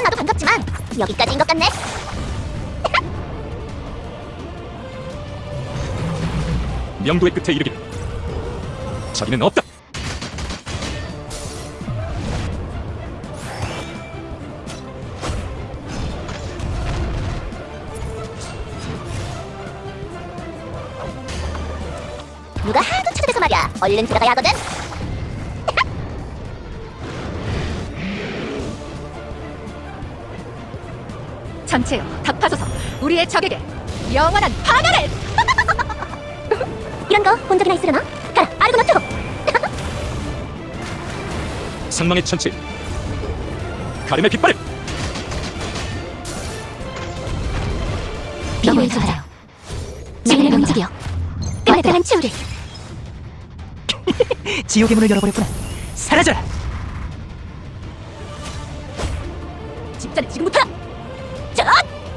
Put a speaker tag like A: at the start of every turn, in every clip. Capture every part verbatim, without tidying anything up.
A: 나도 반갑지만 여기까지인 것 같네.
B: 명도의 끝에 이르기를. 자비는 없다.
A: 누가 하도 찾아대서 말이야. 얼른 들어가야 하거든.
C: 전체여 답하소서. 우리의 적에게 영원한 방어를.
A: 이런 거 본 적이나 있으려나? 가라, 아르고나토.
B: 상망의 천체. 가름의 깃발을.
A: 비호의 전자요. 지인의 명직이여. 마땅한 치우를.
D: 지옥의 문을 열어버렸구나. 사라져라.
A: 집단은 지금부터. 전!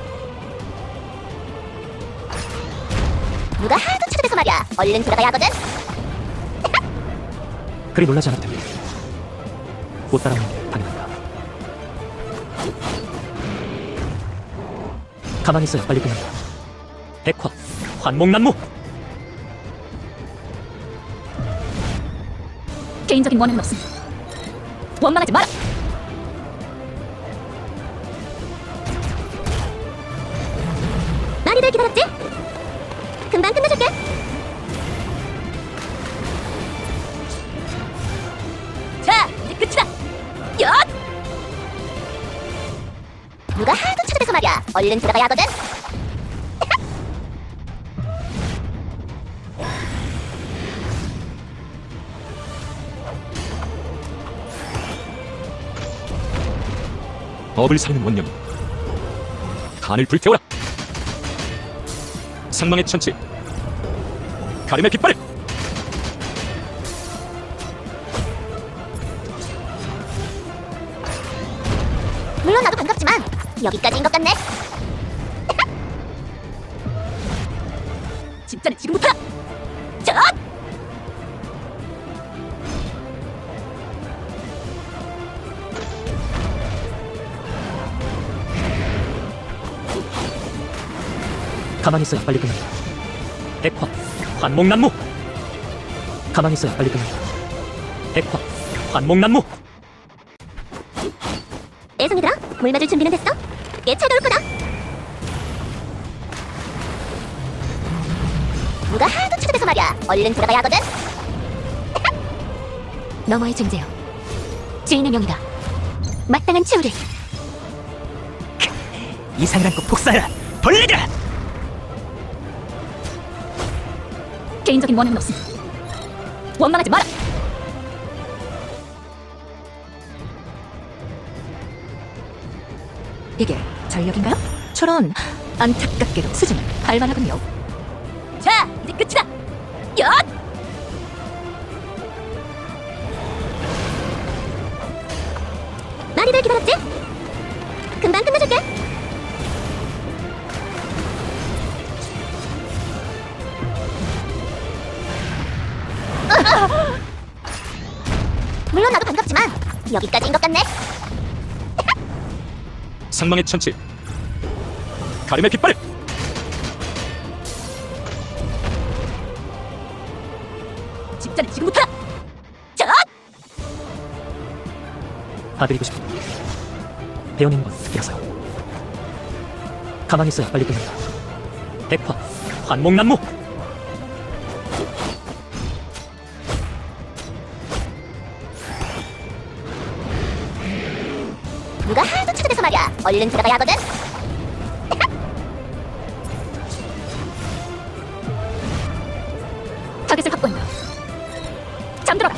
A: 누가 하도 찾아대서 말이야. 얼른 들어가야 하거든.
D: 그리 놀라지 않아도 됩니다. 못 따라오는 게 당연합니다. 가만히 있어야 빨리 끝난다. 백화, 환목난무.
C: 개인적인 원한은 없습니다. 원망하지 마라.
A: 많이들 기다렸지? 금방 끝내줄게. 자, 이제 끝이다. 엿! 누가 하도 찾아대서 말이야. 얼른 들어가야 하거든.
B: 업을 살리는 원념이. 간을 불태워라. 상망의 천체. 가름의 깃발을.
A: 물론 나도 반갑지만 여기까지인 것 같네. 집단은 지금부터. 전!
D: 가만히 있어야 빨리 끝난다. 백화, 환목난무. 가만히 있어야 빨리 끝난다. 백화, 환목난무.
A: 애송이들아, 물 맞을 준비는 됐어? 꽤 차가울 거다. 누가 하도 찾아대서 말이야. 얼른 들어가야 하거든. 너머의 존재여. 주인의 명이다. 마땅한 치우를.
D: 이상을 안고 복사해라. 벌레들아.
C: 개인적인 원한은 없습니다. 원망하지 마라. 이게 전력인가요? 저런 안타깝게도 수준을 발만하군요.
A: 자, 이제 끝이다. 엿! 많이들 기다렸지? 금방 끝내줄게. 물론 나도 반갑지만 여기까지인 것 같네.
B: 상망의 천체. 가름의 깃발을.
A: 집단은 지금부터. 전!
D: 봐드리고 싶은 배우는 건 특이라서요. 가만히 있어야 빨리 끝난다. 백화, 환목난무.
A: 누가 하도 찾아대서 말이야. 얼른 들어가야 하거든.
C: 타겟을 확보한다. 잠들어라.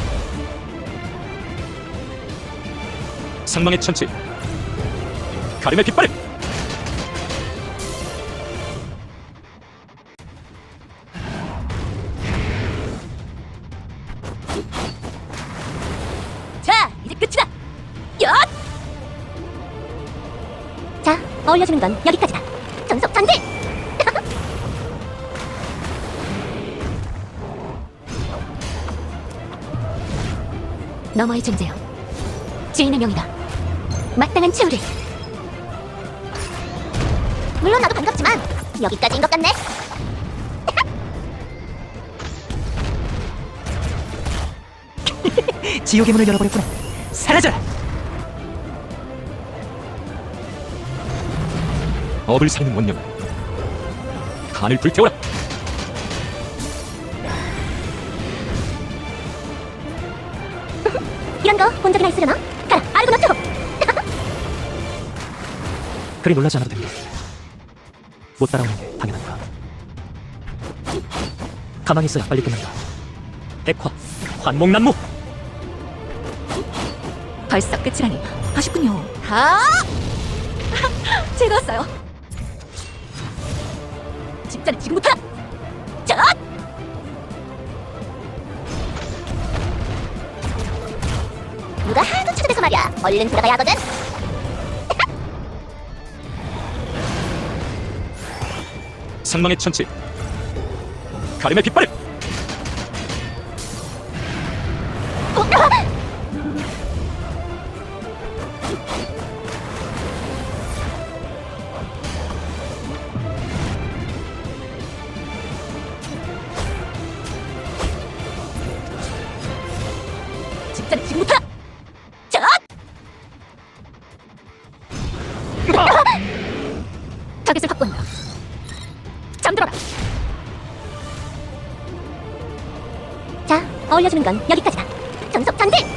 B: 상망의 천체. 가름의 깃발을.
A: 자, 이제 끝이다. 엿! 자, 어울려주는 건 여기까지다. 전속 전진! 너머의 존재여. 주인의 명이다. 마땅한 치우를. 물론 나도 반갑지만 여기까지인 것 같네.
D: 지옥의 문을 열어버렸구나. 사라져라.
B: 업을 살리는 원념. 간을 불태워라.
A: 이런 거 본 적이나 있으려나? 가라, 아르고노트!
D: 그리 놀라지 않아도 됩니다. 못 따라오는 게 당연하니까. 가만히 있어야 빨리 끝난다. 백화, 환목난무.
C: 벌써 끝이라니 아쉽군요. 아! 즐거웠어요. 집자는 지금부터. 자!
A: 누가 하도 찾아대서 말이야. 얼른 들어가야 하거든.
B: 상망의 천치. 가름의 빗발을.
C: 집자는 지금부터. 자! 타겟을 확보한다. 잠들어라.
A: 자, 어울려주는 건 여기까지다. 정석 전진!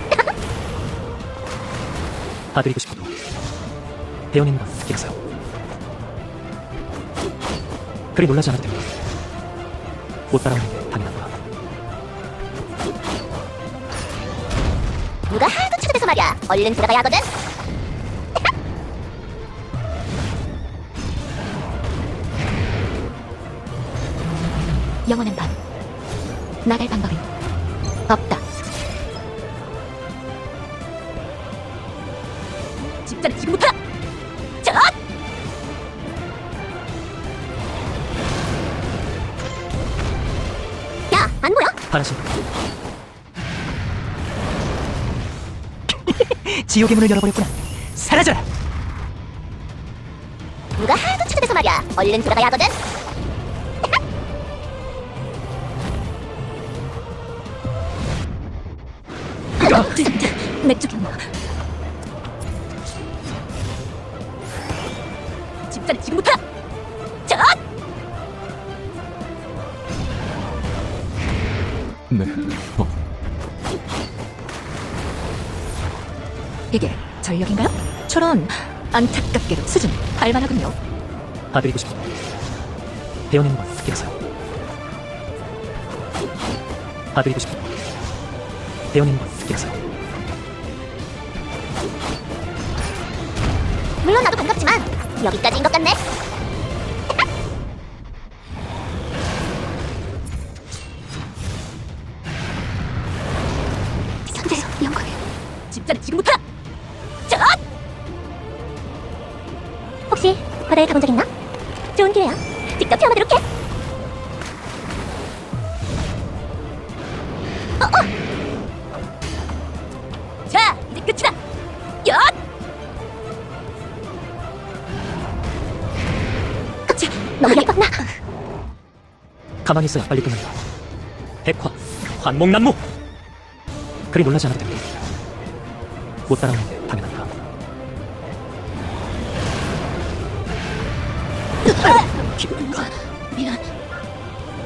D: 봐드리고 싶어도 배어내는 건 길어서요. 그리 놀라지 않아도 됩니다. 못 따라오는 게 당연하구나.
A: 누가 하도 찾아대서 말이야. 얼른 들어가야 하거든.
C: 영원한 밤. 나갈 방법은 없다. 집자는 지금부터. 자!
A: 야, 안 보여?
D: 반하신 지옥의 문을 열어버렸구나. 사라져라.
A: 누가 하도 찾아대서 말이야. 얼른 들어가야 하거든.
C: 내 쪽이었나? 집자는 지금부터. 자!
B: 네. 어.
C: 이게 전력인가요? 저런 안타깝게도 수준 할만하군요.
D: 봐드리고 싶어도 배어내는 건 길어서요. 봐드리고 싶어도 배어내는 건 길어서요.
A: 물론 나도 반갑지만 여기까지인 것 같네.
C: 선재수 영광에 집자는 지금부터. 자!
A: 혹시 바다에 가본 적 있나? 좋은 기회야. 직접 체험하도록 해. 어, 어.
C: 자, 이제 끝이다. 엿!
A: 깜짝 너무 예뻤나?
D: 가만히 있어야 빨리 끝난다. 백화, 환목난무. 그리 놀라지 않아도 됩니다. 못 따라오는 게 당연하니까.
C: 미안.